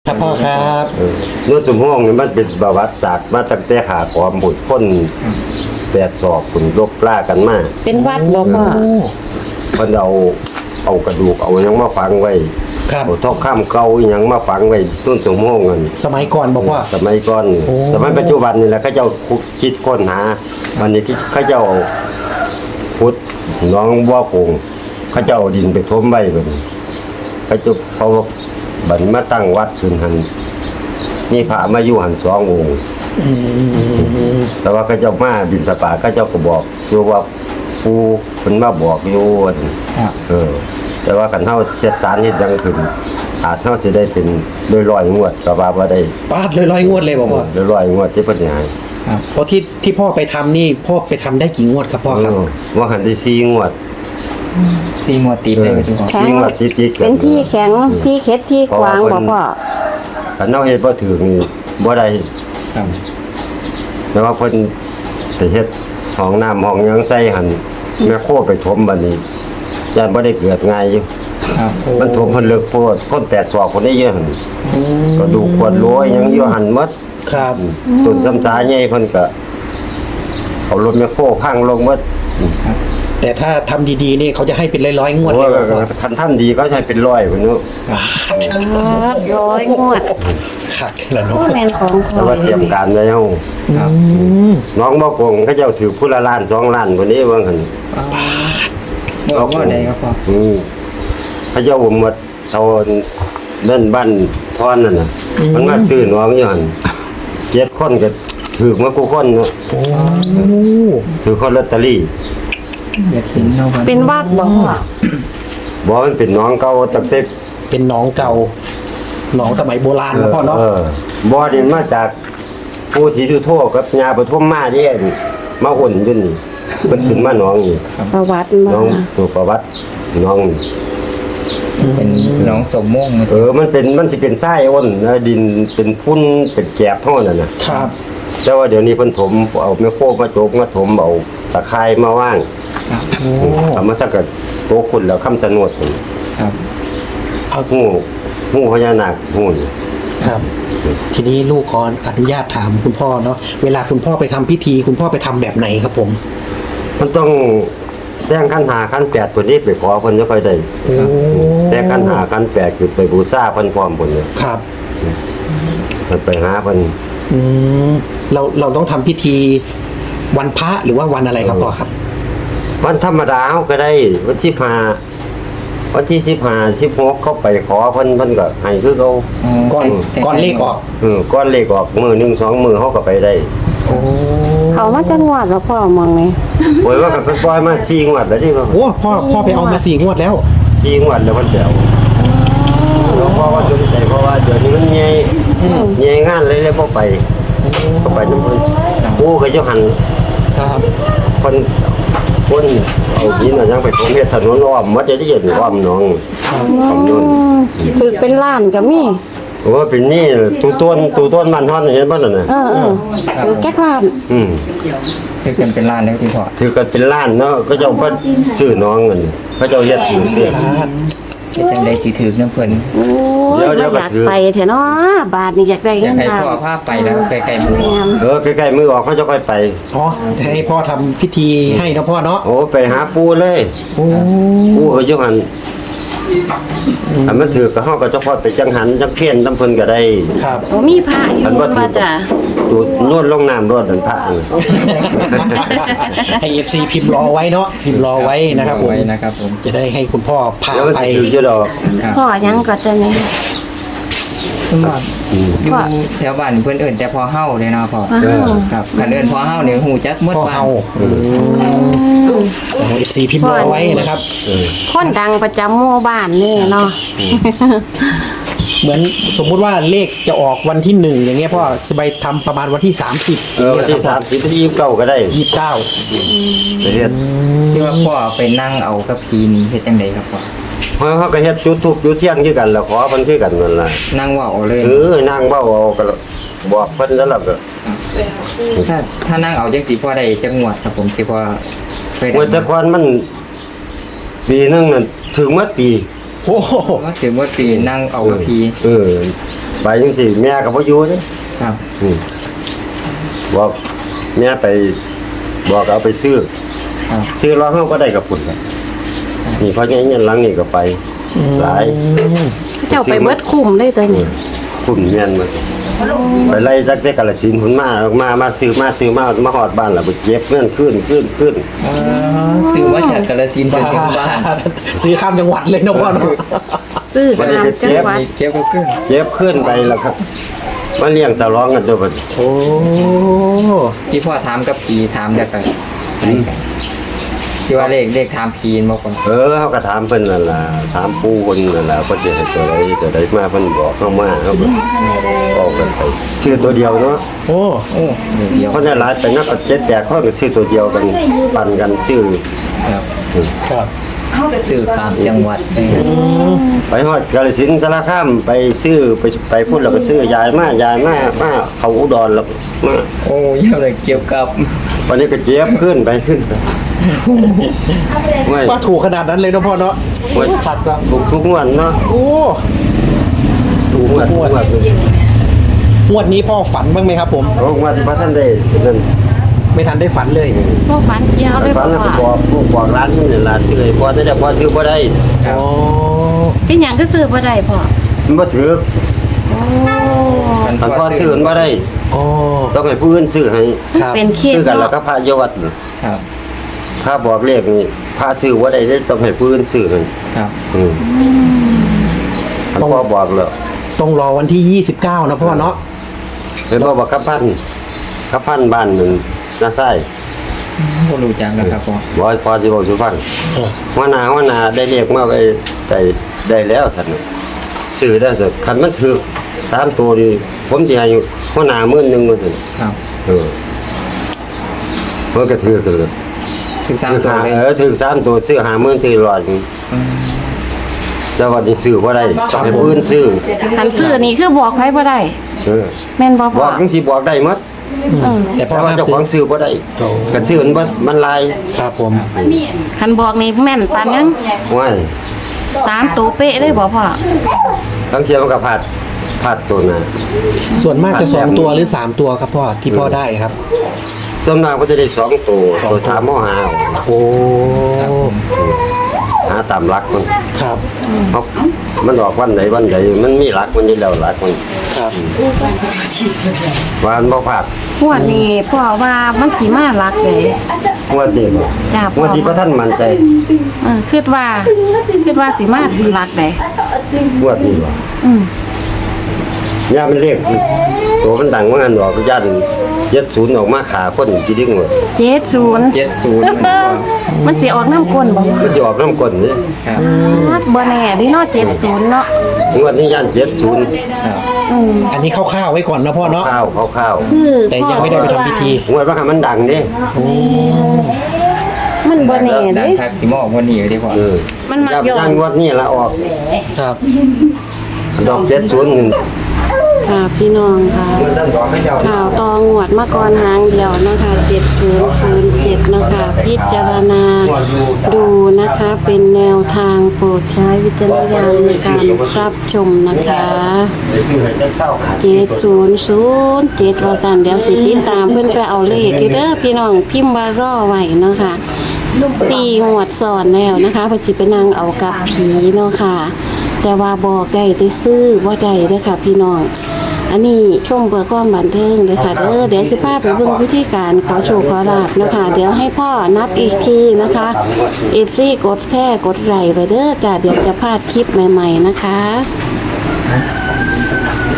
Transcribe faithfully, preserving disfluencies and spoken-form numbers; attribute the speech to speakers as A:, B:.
A: ครับพ่อครับ
B: นวดสมห้องนี่มันเป็นประวัติศาสตร์มาตั้งแต่ขาขอมบุตรคนแปดศอกคุณลบล่ากันมา
C: เป็นวัดบ่พ่อ
B: เพิ่นเอาเอากระดูกเอาหยังมาฝังไว้
A: ครับ
B: เอาทองคำเก่าหยังมาฝังไว้ต้นสมห้องนั่น
A: สมัยก่อนบอกว่า
B: สมัยก่อน
A: โอ้
B: สมัยปัจจุบันนี่แหละเขาเจ้าคิดค้นหาวันนี้เขาเจ้าเอาพุทธน้องบัวโป่งเขาเจ้าเอาดินไปถมไว้บัดนี้เขาเจ้าเขาบัดมาตั้งวัดขึ้นหันนี่พระมาอยู่หันสององค์แต่ว่าเขาเจ้ามาบิณฑบาตเขาเจ้าก็บอกอยู่ว่าปูเพิ่นมาบอกอยู่ว่าซั่น
D: ครับ
B: เออ แต่ว่าคันเฮาเฮ็ดสารเฮ็ดหยังขึ้นอาจเฮาสิได้เป็นร้อยๆงวดก็ว่าบ่ได้
A: ปาดเลยร้อยงวดเลยบอกว่า
B: ร้อยๆงวดที่เพิ่นให้
D: ครับ
A: เพราะที่ที่พ่อไปทำนี่พ่อไปทำได้กี่งวดครับพ่อครับ
B: เออว่าหันได้สี่งวด
D: ซีมัวติดเลยที่พ่อ
C: แข็ง
B: สี่งวดติดๆกั
C: เป็นที่แข็งที่เข็ดที่ขวางบ่พ่อ
B: คันเฮาเฮ็ดบ่ถึงนี่บ่ได้
D: ครับ
B: แต่ว่าเพิ่นไปเฮ็ดห้องน้ำห้องหยังใส่หั่นแม่โคไปถมบัดนี้ย่านบ่ได้เกิดง่ายอยู่
D: ครับ
B: มันถมเพิ่นเลิกโพดคนแปดศอกคนนี้เยอะหั่นก็ดูขวดโหลยหยังอยู่หั่นหมด
A: ครับ
B: ต้นจำสาใหญ่เพิ่นก็เอารถแมคโครพังลงหมด
A: แต่ถ้าทำดีๆนี่เขาจะให้เป็นร้อยๆงวด
B: โอ้
A: เลย ยบอกว่า
B: คันทำดีก็ใช้เป็นร้อยพุ่นเนาะ
C: ร้อยงวด
A: ขาดแล้วเนาะ
C: ผู้แม่นของพ่
B: แต่
C: อ
B: ว่าเตรียมการไว้เฮา
D: ครับ
B: น้องบ่โกงเขาเจ้าถือผู้ละล้านสองล้านพุ่นนี้ว่าหั่น
D: งวดงวดใดครับพ่อ
B: อืมเขาเจ้าหมดเท่านั่นบ้านทอนนั่นน่ะมันมาซื้อน้องอยู่หั่นเจ็ดคนก็ถือมากูคนเนาะ
A: โอ้
B: ถือคนลอตเตอรี่
D: อยากเห็นเนาะ
C: เป็นวัดบ่พ่อ
B: บ่มันเป็นน้องเก่าตั้งแต่
A: เป็นหนองเก่าหนองสมัยโบราณนะพ่อเนาะ
B: เออบ่นี่มาจากปู่ศรีสุโธกับย่าปฐมมาเด้มาหุ่นอยู่นี่เพิ่นขึ้นมาน้องนี่
C: ประวัติบ่
B: น้องตัวประวัติน้องนี่
D: เป็นน้องสมม่วงมา
B: เออมันเป็นมันสิเป็นทรายอ้นนะดินเป็นพุ่นเป็นแกบเท่านั้นน่ะ
A: ครับ
B: แต่ว่าเดี๋ยวนี้เพิ่นถมเอาแม่โคมาโจกมาถมเอาตะไคร้มาว่าง
D: ครับ
B: เอามาสักกะโตคุณแล้วคำสนวดพุ่น
D: ครับ
A: เอา
B: ฮู้ฮู้พญานาคฮู้นี่
A: ครับ ทีนี้ลูกขออนุญาตถามคุณพ่อเนาะเวลาคุณพ่อไปทำพิธี คุณพ่อไปทำแบบไหนครับผม
B: มันต้องแต่งขันหาขันแปดพุ่นนี้ไปขอเพิ่นจะค่อยได้
A: โอ้
B: แต่ขันหาขันแปดคือไปบูชาเพิ่นพร้อมพุ่นเนี่ย
A: ครับ
B: มันไปหาเพิ่น
A: อืมเราเราต้องทำพิธีวันพระหรือว่าวันอะไรครับพ่อครับ
B: วันธรรมดาเขาก็ได้วันที่ห้าวันที่สิบห้าสิบหกเข้าไปขอเพิ่นเพิ่นก็ให้คือเขา
A: ก่อนก่อนเลขออก
B: เออก้อนเลขออกมือหนึ่งสองมือเขาก็ไปได้
A: โอ้
C: เขามาจะงวดแล้วพ่อมองนี่
B: โอ้ยว่ากับเป็นปล่อยมาสี่งวดแล้วที่เขา
A: โหพ่อพ่อไปเอามาสี่งวดแล้ว
B: สี่งวดแล้วมันเดียวหลวงพ่อว่าสนใจเพราะว่าเดี๋ยวนี้มันใหญ่ใหญ่งานเลยเลยพอไปก็ไปน้ำเพิ่นผู้ก็จะหัน
A: ครับ
B: คนคนเอาหินเอาหยังไปผมเฮ็ดถนนอ้อมหมดจะได้เห็นอ้อมหน้องอ้อมโน่น
C: ถือเป็นล้านก็มี
B: โอ้เป็นนี่ตูต้นตูต้นมันทอนเห็นบ่นั่นน่ะ
C: เออเออถือแก๊กล้าน
B: อืม
D: ถือกันเป็นล้านแล้วที่พ่อ
B: ถือกันเป็นล้านเนาะก็เจ้าก็ซื้อน้องเงินเขาเจ้าเฮ็ดอยู่เด้
D: เฮ็ดจังได๋สิถือน้ำเพิ่น
C: โอ้ย
B: เดี๋ยวเดี๋
C: บ่
B: ยวก็
C: อยาก
B: ถือ
C: ไปแท้เนาะบาทนี่อยากได้
D: อ
C: เงิ
D: ยาก
C: น
D: ให้
C: ล้าน
D: พ่อพาไปแล้วไกลๆมือ
C: แม่น
B: เออใกล้ๆมือออกเขาจะค่อยไป
A: อ๋อจะให้พ่อทำพิธีให้นะพ่อเนาะ
B: โอ้ไปหาปูเลย
A: โอ้
B: ปูเขาอยู่หั่นอันมันถือก็เฮาก็จะพอไปจังหันจังเพี้ยนตำเพิ่นก็ได้
A: ครับ
C: บ่มีพระอยู่
B: อันว่าถื
C: ว่า
B: อ
C: จ้ะ
B: ตูดนวดลงน้ำรดอันพระอัน
A: ให้เอฟซีพิมพ์รอไว้เนาะพิมพ์รอไว้นะครับผม
D: ไว้นะครับผม
A: จะได้ให้คุณพ่อพา
B: แล้วมัน
A: ไป
B: สิถืออยู่ดอก
D: ครับ
C: พ่อยังก็จะนี่
D: คุณพ่ออยู่
C: พ่อ
D: แถวบ้านเพิ่นเอิ้นแต่พอเฮาเลยเนาะพ่อ
C: ว้าว
D: ครับคันเอิ้นพอเฮานี่ฮู้จักหมด
A: พ่อ
D: บ้าน
A: เอาเอฟซีพิมพ์รอไว้นะครับ
C: คนดังประจำหมู่บ้านนี่เนาะ
A: เหมือนสมมุติว่าเลขจะออกวันที่หนึ่งอย่างเงี้ยพ่อจะไปทำประมาณวันที่สามสิบ
B: เออวันที่สามสิบที่ยี่สิบเก้าก็ได้
A: ยี่สิบเก้า
B: ไปเฮ็ด
D: ที่ว่าพ่อไปนั่งเอากับผีนี่เฮ็ดจังไดครับพ่อ
B: เพราะเขาก็เฮ็ดจุดทูปจุดเทียนคือกันแล้วขอเพิ่นคือกันนั่นล่ะ
D: นั่งเว่าเอาเลย
B: เออนางเว้าเอาก็บอกเพิ่นแล้วล่ะก็
D: ถ้าถ้านั่งเอาจังสิพ่อได้จังหวัดครับผมที่พ่อเคยได้
B: โอ้ยแต่ก่อนมัน ปีหนึงนั่นถึงหมดปี
A: โอ้โห
D: ว่าถึงว่าปีนั่งเอากับพี
B: เออไปจังซี่แม่ก็บ่อยู่เด้
D: ครับ
B: อืมบอกแม่ไปบอกเอาไปซื้อ
D: ครับ
B: ซื้อรอเฮาบ่ได้กับพุ่นครับนี่เพราะงั้นเงินหลังนี่ก็ไปหลาย
C: เจ้าไปเบิดคุ้มได้ตัวนี้
B: คุณแม่นมาไปไล่จักได้กาลสินธุ์พุ่นมามามาซื้อมาซื้อมามาฮอดบ้านแล้วไปเก็บเงินขึ้นขึ้นขึ้น
D: อ๋อซื้อมาจากกาฬสินธุ์จนถึงบ้าน
A: ซื้อข้ามจังหวัดเลยนะพ่อเนาะ
C: ซื้อตามจังหวัด
D: นี่เก็บก็ขึ้น
B: เก็บขึ้นไปแล้วครับมาเลี้ยงสาวร้องกันตัวเพิ่น
A: โอ้
D: ที่พ่อถามกับพีถามจากกันที่ว่าเลขเลขถามพีนมาก่อน
B: เออเฮาก็ถามเพิ่นนั่นล่ะถามปู่เพิ่นนั่นล่ะเพิ่นสิให้ตัวใดตัวใดมาเพิ่นบอกเฮามาเฮาก็บอกกันไปซื้อตัวเดียวเนาะ
A: โอ้
D: โอ้เดียว
B: เพราะในหลายไปนักก็เจ็ดแปดคนก็ซื้อตัวเดียวกันปั่นกันซื้อ
D: ครับ
A: ครับ
D: ซื้อข้ามจังหวัดซื้อ
B: ไปฮอดกาฬสินธุ์สารคามไปซื้อไปไปพูดแล้วก็ซื้อยายมายายมามาเขาอุดรแล้วมา
D: โอ้เยี่ยมเลยเกี่ยวกับ
B: วันนี้ก็เจ็บขึ้นไปขึ้นไปไม่
A: ว่าถูกขนาดนั้นเลยนะพ่อเนาะ
B: ไม่ถูกทุกงวดเนาะ
A: โอ้
B: ทุกงวดทุกงวด
A: งวดนี้พ่อฝันบ้างไหมครับผม
B: ทุกงวดที่พระท่านได้นั่น
A: ไม่ทันได้ฝันเลย
C: พวกฝันเกี่ยวเลย
B: ฝั
C: บ่
B: นแล้วก็บ
C: ว่า
B: อกลูกบอกร้านนี่ร้านซื้อเลยพอได้แต่พอซื้อบ่ได้
D: ครับ
A: โอ้
C: เป็นหยังก็ซื้อบ่ได้พ่อ
B: มันบ่ถือ
C: โอ้
B: มันพอซื้อมันบ่ได้
A: โอ้
B: ต้องให้ผู้อื่นซื้อให้
A: ครับ
C: เป็นเคส
B: ซื้อกันแล้ว
C: เนาะ
B: ก็พระโยวัดน่ะ
D: ครับ
B: พระบอกเลขนี่พระซื้อบ่ได้เด้ต้องให้ผู้อื่นซื้อให้
D: ครับ
B: อืมมันพอบอกแล้ว
A: ต้องรอวันที่ยี่สิบเก้านะพ่อเนาะ
B: เห็นบ่ว่ากับพันกับพันบ้านนึงน่าไส้
D: ก็รู้จักแล้วครับพ่อ
B: บ่ให้พอสิบอกสุฟัง
A: เออ
B: หัวหน้าหัวหน้าได้เรียกมาไว้ได้ได้แล้วท่านน่ะซื้อได้แต่คันมันถูกสามตัวนี่ผมสิให้หัวหน้าหมื่นหนึงว่าซั่น
D: ครับ
B: เออมันก็ถือกันเลย
D: ศึกษา
B: ถือ
D: ตัว
B: หา
D: เลย
B: เออถือสามตัวซื้อห้าหมื่นถือร้อยหนึ่ง
D: อืม
B: แต่ว่านี่ซื้อบ่ได้ต้องให้ผู้อื่นซื้อ
C: คันซื้อนี่คือบอกไผบ่ได้
B: เออ
C: แม่นบ่
B: บ
C: พ่อ
B: อกจังสิบอกได้หมด
C: เออ
A: แต่พ่อ
B: แต่ว่า
A: ห้าม
B: เจ้า
A: ซื้
B: ข
A: อ
B: องซื้อบ่ได้
A: โอ้
B: กันซื้อมันบ่มันลาย
A: ครับผม
C: คันบอกนี่แม่นปานยัง
B: ว้าย
C: สามตัวเป๊ะเลยบ่พ่อ
B: ทั้งเสียมันก็พลาดพลาดตัวน่ะ
A: ส่วนมากจะสองตัวหรือสามตัวครับพ่อที่พ่อได้ครับ
B: ส่วนมากก็จะได้สองตัวตัวสามหม้อหาเอา
A: โอ้
B: หาตามหลักมัน
A: ครับ
B: เพราะมันออกวันไหนวันไหนมันมีหลักมันอยู่แล้วหลักมัน
A: ครับ
B: ว่ามันบ่พลาด
C: งวดนี้พ่อว่ามันสิมาหลักเด้
B: งวดนี้บ่
C: จ้าพ่
B: ง
C: อ
B: วดที่พระท่านมั่นใจ
C: เออคิดว่าคิดว่าสิมาหลักเด้
B: งวดนี้บ่
C: อืม
B: ย่ามันเรียกตัวมันดังว่างั้นดอกย่านเจ็ดศูนย์ออกมาขาคนกี่ดิ้งหมด
C: เจ็ดศูนย์
D: เจ็ดศูนย์
C: มันสิออกน้ำก้นบ่
B: มันจะออกน้ำก้นนี่
D: ครับ
C: ฮัดบ่แน่เดิเนาะเจ็ดศูนย์เนาะ
B: งวดนี้ย่านเจ็ดศูนย์
D: ครับ
C: อืม
A: อันนี้คร่าวๆไว้ก่อนนะพ่อเนาะ
B: ข้าวข้าวข้าว
C: คือ
A: แต่ยังไม่ได้ไปทำพิธี
B: งวดว่ามันดังนี่
C: มันบ่แน่
D: ดั
C: เด้
D: งทักสิมาออกวันนี้อยู่ที่พ่อ
B: เออ
C: มันมัก
B: ย่า
C: ย้อน
B: ย่านงวดนี้ละออก
A: ครับ
B: ดอกเจ็ดศูนย์หนึ่ง
C: ค่ะพี่น้องค่ะ
B: มันดันดอกให้เจ้า
C: ข่าวตองวดมาก่อนหางเดียวนะคะเจ็ดศูนย์ศูนย์เจ็ดนะคะพิจารณาดูนะคะ เป็นแนวทางโปรดใช้วิจารณญาณในการรับชมนะคะ
B: ไปซื้อให้เจ้าเศร้าหา
C: เจ็ดศูนย์ศูนย์เจ็ดว่าสันเดี๋ยวสิติดตามเพื่อนไปเอาเลขอยู่เด้อพี่น้องพิมพ์ว่ารอไว้เนาะค่ะสี่งวดสอนแล้วนะคะเพอสิไปนั่งเอากับผีเนาะค่ะ แต่ว่าบอกได้แต่ซื้อว่าได้เด้อค่ะพี่น้อง อันนี้ช่วงเบื่อความบันเทิงเลยค่ะเด้อเดี๋ยวสิพาไปเบิ่งวิธีการขอโชคขอลาบนะคะ เดี๋ยวให้พ่อนับอีกทีนะคะเอฟซีกดแช่กดไลค์ไปเด้อจ้ะเดี๋ยวจะพลาดคลิปใหม่ ๆนะคะ